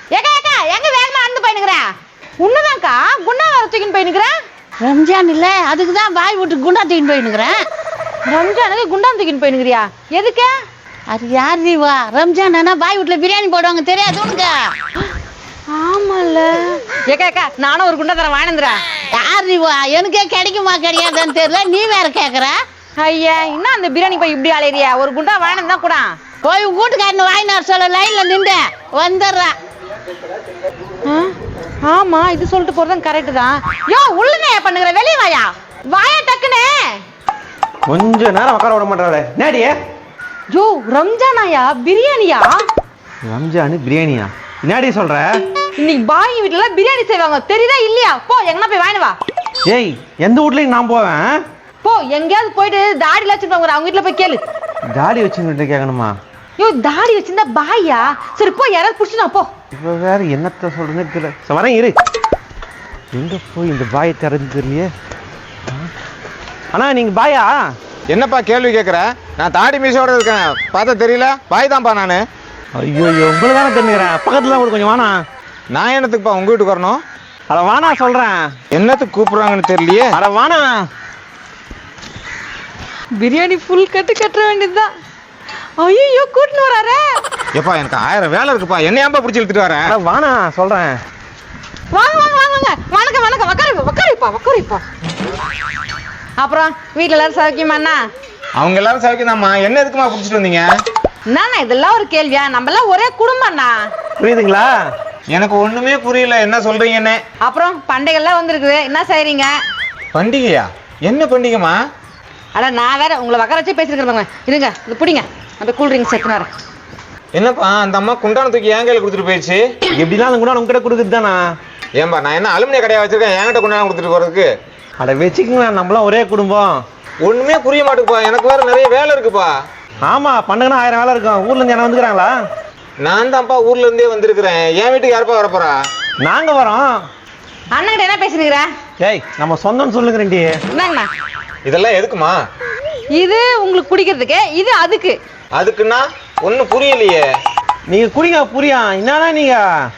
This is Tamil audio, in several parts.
ஏக்கா ஏக்கா எங்க வேகமா நடந்து போயினுக்குற? உன்னதான்க்கா குண்டா வர தூக்கின்னு போயினுக்குற? ரம்ஜான் இல்ல, அதுக்கு தான் பாய் வீட்டுக்கு குண்டா தூக்கின்னு போயினுக்குறேன். ரம்ஜானுக்கு குண்டா தூக்கின்னு போயினுக்குறியா? எதுக்கு? அது யார் வா? ரம்ஜான் ஆனா பாய் வீட்டுல பிரியாணி போடுவாங்க, தெரியாது உனக்கு? ஆமால. ஏக்கா ஏக்கா நானும் ஒரு குண்டா தரேன் வாங்கினந்துறேன். யார் வா? எனக்கே கிடைக்குமா கிடையாதுன்னு தெரியல, நீ வேற கேக்குற. ஐயா இன்னும் அந்த பிரியாணி போய் இப்படி அலையிறியா? ஒரு குண்டா வாங்கினது தான் கூட. போய் வீட்டுக்காரன் வாங்கினார் சொல்ல, லைன்ல நின்று வந்துடுறா. ஆமா இது சொல்லிட்டு போறதும் கரெக்ட் தான். யோ உள்ளனே பண்ணுகிற, வெளியே வாயா. வாயா டக்குனே. கொஞ்ச நேரம் உட்கார விட மாட்டாளே. நேடியே யோ ரம்ஜானாயா பிரியாணியா? ரம்ஜானு பிரியாணியா? நேடி சொல்ற? இன்னைக்கு பாய் வீட்டுல பிரியாணி செய்வாங்க, தெரியுதா இல்லையா? போ எங்கனா போய் வாங்கிட்டு வா. ஏய் எந்த வீட்லயும் நான் போவேன். போ எங்கேயாவது போயிட்டு தாடி வச்சுருப்பாங்க, அவங்க வீட்டுல போய் கேளு. தாடி வச்சுக்கிட்டு கேட்கணுமா? யோ தாடி வச்சிருந்தா பாயா? சரி போ, யாராவது புடிச்சுனா போ. இப்ப வேற என்னத்த சொல்றேன்னு தெரியல. வரேன் இரு. எங்க போய் இந்த பாயை திறந்து தெரியலையே. அண்ணா நீங்க பாயா? என்னப்பா கேள்வி கேட்குற? நான் தாடி மீசோட இருக்கேன், பார்த்தா தெரியல? பாய் தான்ப்பா நான். ஐயோ உங்களை தானே தெரிஞ்சுக்கிறேன். பக்கத்துல தான் கொஞ்சம் வானா. நான் என்னத்துக்குப்பா உங்க வீட்டுக்கு வரணும்? அட வானா சொல்றேன். என்னத்துக்கு கூப்பிடுறாங்கன்னு தெரியலையே. அட வானா. பிரியாணி ஃபுல் கட்டுற வேண்டியதுதான். ஐயோ கூட்டின்னு வராரே. எப்பா எனக்கு 1000 வேலை இருக்குப்பா, என்ன ஏன்பா பிடிச்சி இழுத்துட்டு வரேன்? அட வானா சொல்றேன். வாங்க வாங்க வாங்க வாங்க. வணக்கம் வணக்கம். உக்காரிப்பா. அப்புறம் வீட்டுல எல்லாரும் சௌக்கியமாண்ணா? அவங்க எல்லாரும் சவுக்கியதாம்மா. என்ன எதுக்குமா பிடிச்சிட்டு வந்தீங்க? என்னண்ணா இதெல்லாம் ஒரு கேள்வியா? நம்ம எல்லாம் ஒரே குடும்பம்ண்ணா. புரியுதுங்களா? எனக்கு ஒண்ணுமே புரியல என்ன சொல்றீங்கன்னு. அப்புறம் பண்டிகைலாம் வந்திருக்குது, என்ன செய்றீங்க? பண்டிகையா? என்ன பண்டிகைமா? அட நான் வேற உங்களை உக்கார வச்சு பேசிருக்கிறவங்க. இருங்க இது பிடிங்க, அந்த கூல் ட்ரிங்க்ஸ் எடுத்துன்னு வரேன். என்னப்பா அந்த அம்மா குண்டான தூக்கி என் கையில கொடுத்துட்டு போயிடுச்சு. எப்படிலாம் அந்த கூட உங்ககிட்ட கொடுக்குறது தானா? ஏன்பா நான் என்ன அலுமினிய கடையா வச்சிருக்கேன் என்கிட்ட குண்டான கொடுத்துட்டு போறதுக்கு? அட வச்சுக்கங்களா, நம்மளாம் ஒரே குடும்பம். ஒண்ணுமே புரிய மாட்டேங்குப்பா, எனக்கு வேற நிறைய வேலை இருக்குப்பா. ஆமா பண்டகனா 1000 வேலை இருக்கும். ஊர்ல இருந்து என்ன வந்துக்கிறாங்களா? நான் தான்ப்பா ஊர்ல இருந்தே வந்திருக்கிறேன். என் வீட்டுக்கு யாருப்பா வரப்போறா? நாங்க வரோம். அண்ணன்கிட்ட என்ன பேசுனீங்க? ஏய் நம்ம சொந்தம்னு சொல்லுங்கறேன்டி. என்னங்கண்ணா இதெல்லாம் எதுக்குமா? இது உங்களுக்கு குடிக்கிறதுக்கு, இது அதுக்கு. அதுக்குன்னா ஒன்னும் புரியலையே. நீங்க குடிங்க புரியா? என்னன்னா நீங்க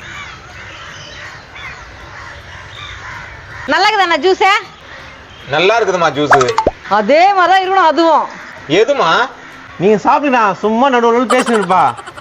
நல்லா இருக்குதாண்ணா ஜூஸே? நல்லா இருக்குதுமா ஜூஸ். அதே மாதிரிதான் இருக்கணும் அதுவும். எதுமா? நீங்க சாப்பிடுடா, சும்மா நடுவுல பேசிட்டு இருப்பா.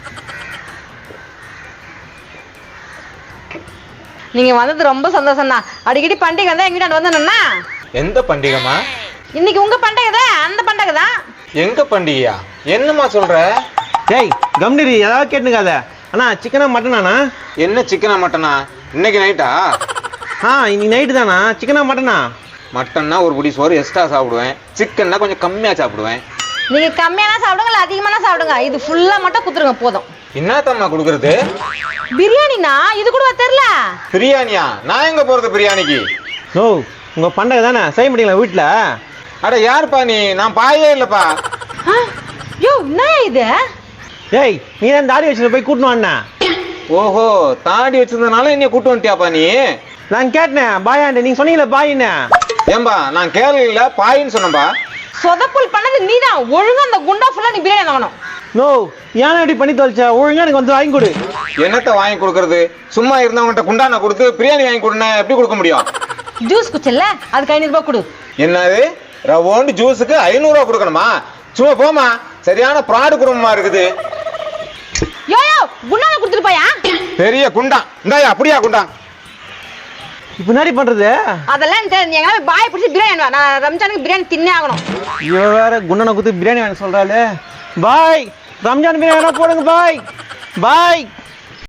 நீங்க வந்தது ரொம்ப சந்தோஷம் தான். அடிக்கடி பண்டிகை வந்தா எங்க வீட்டாண்ட வந்தேன்னா. எந்த பண்டிகைமா? இன்னைக்கு உங்க பண்டிகை தான், அந்த பண்டிகை தான். எங்க பண்டிகையா? என்னம்மா சொல்ற? ஏய் கம்னிரி ஏதாவது கேட்டுக்காத. அண்ணா சிக்கனா மட்டனாண்ணா? என்ன சிக்கனா மட்டனா? இன்னைக்கு நைட்டா? இன்னைக்கு நைட்டு தானா? சிக்கனா மட்டனா? மட்டன்னா ஒரு புடி சோறு எக்ஸ்ட்ரா சாப்பிடுவேன், சிக்கன்னா கொஞ்சம் கம்மியா சாப்பிடுவேன். நீங்க கம்மியான சாப்பிடுங்க இல்ல அதிகமான சாப்பிடுங்க, இது ஃபுல்லா மட்டும் குத்துருங்க போதும். என்னத்தம்மா கொடுக்கறது? பிரியாணினா இது கூட தெரியல. பிரியாணியா? நான் எங்க போறது பிரியாணிக்கு? ஓ உங்க பண்டகை தானே, செய்ய முடியல வீட்டுல? அட யாருப்பா நீ? நான் பாயே இல்லப்பா. யோ என்ன இது? ஏய் நீ தான் தாடி வச்சுட்டு போய் கூட்டணும் அண்ணா. ஓஹோ தாடி வச்சிருந்தனால என்னைய கூட்டு வந்துட்டியாப்பா நீ? நான் கேட்டேன் பாயாண்ட, நீங்க சொன்னீங்களே பாயின்னு. ஏம்பா நான் கேரளில பாயின்னு சொன்னப்பா. சொதப்புல் பண்ணது நீதான். ஒழுங்கா அந்த குண்டா ஃபுல்லா நீ பிரியாணி வாங்கணும். நோ ஏன் இப்படி பண்ணி தொலைச்ச? ஒழுங்கா எனக்கு வந்து வாங்கி கொடு. என்னத்த வாங்கி கொடுக்கறது? சும்மா இருந்தவங்ககிட்ட குண்டான கொடுத்து பிரியாணி வாங்கி கொடுனா எப்படி கொடுக்க முடியும்? ஜூஸ் குச்சல்ல, அதுக்கு 500 ரூபாய் கொடு. என்னது ரவோண்டு ஜூஸுக்கு 500 ரூபா கொடுக்கணுமா? சும்மா போமா, சரியான ப்ராடு குடும்பமா இருக்குது. யோ குண்டான கொடுத்துட்டு போயா. பெரிய குண்டா இந்தாயா, அப்படியா குண்டா? இப்ப என்ன பண்றது? அதெல்லாம் எங்க பாய் பிடிச்சி பிரியாணி வா. நான் ரம்ஜானுக்கு பிரியாணி தின்னே ஆகணும். இவ வேற குண்டனை குத்து பிரியாணி வாங்க சொல்றாளே. பாய் ரம்ஜான் பிரியாணி போடுங்க பாய். பாய்